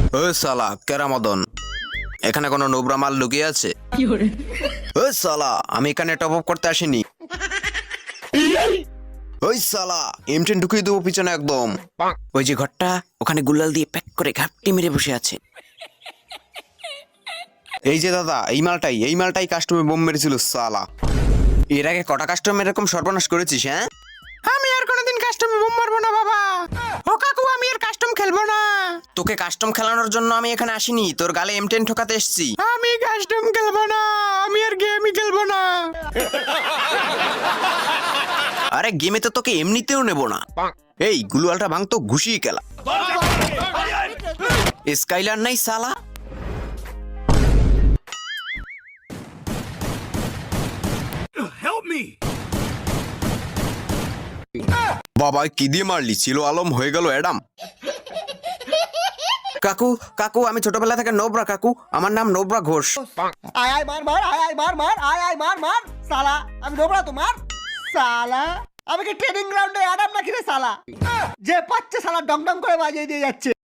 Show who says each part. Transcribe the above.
Speaker 1: ও সালা কেরামদন, এখানে কোনো নোবরা মাল লুকিয়ে আছে? ও সালা, আমি এখানে টপ আপ করতে আসিনি। ওই সালা, এম10 ঢুকিয়ে দেবো পিছনে একদম। ওই যে ঘরটা, ওখানে গুলাল দিয়ে প্যাক করে ঘাপটি মেরে বসে আছে। এই যে দাদা, এই মালটাই কাস্টমে বোম মেরেছিল সালা। এর আগে কটা কাস্টমার এরকম সর্বনাশ করেছিস? হ্যাঁ, আমি আর কোনোদিন কাস্টমে বোম মারবো না বাবা। ও কাকু, আমি আর কাস্টম খেলবো না। তোকে কাস্টম খেলানোর জন্য আমি এখানে আসিনি, তোর গালে এম10 ঠোকাতে এসেছি। আমি কাস্টম খেলবো না, আমি আর গেমই খেলবো না। আরে গেমে তো তোকে এমনিতেও নেব না। এই গুলুয়ালটা ভাঙ তো ঘুষিয়ে খেলা। স্কাইলার নাই সালা। বাবা কি দিয়ে মারলি? ছিল আলম, হয়ে গেল অ্যাডাম। কাকু কাকু, আমি ছোটবেলা থেকে নোবরা কাকু, আমার নাম নোবরা ঘোষ।
Speaker 2: আয় আয় মার মার, আয় আয় মার মার, আয় আয় মার মার সালা। আমি নোবরা তোমার সালা। আমি কি ট্রেনিং গ্রাউন্ডে অ্যাডাম নাকি রে সালা? যে পাচ্ছে সালা ডং ডং করে বাজিয়ে দিয়ে যাচ্ছে।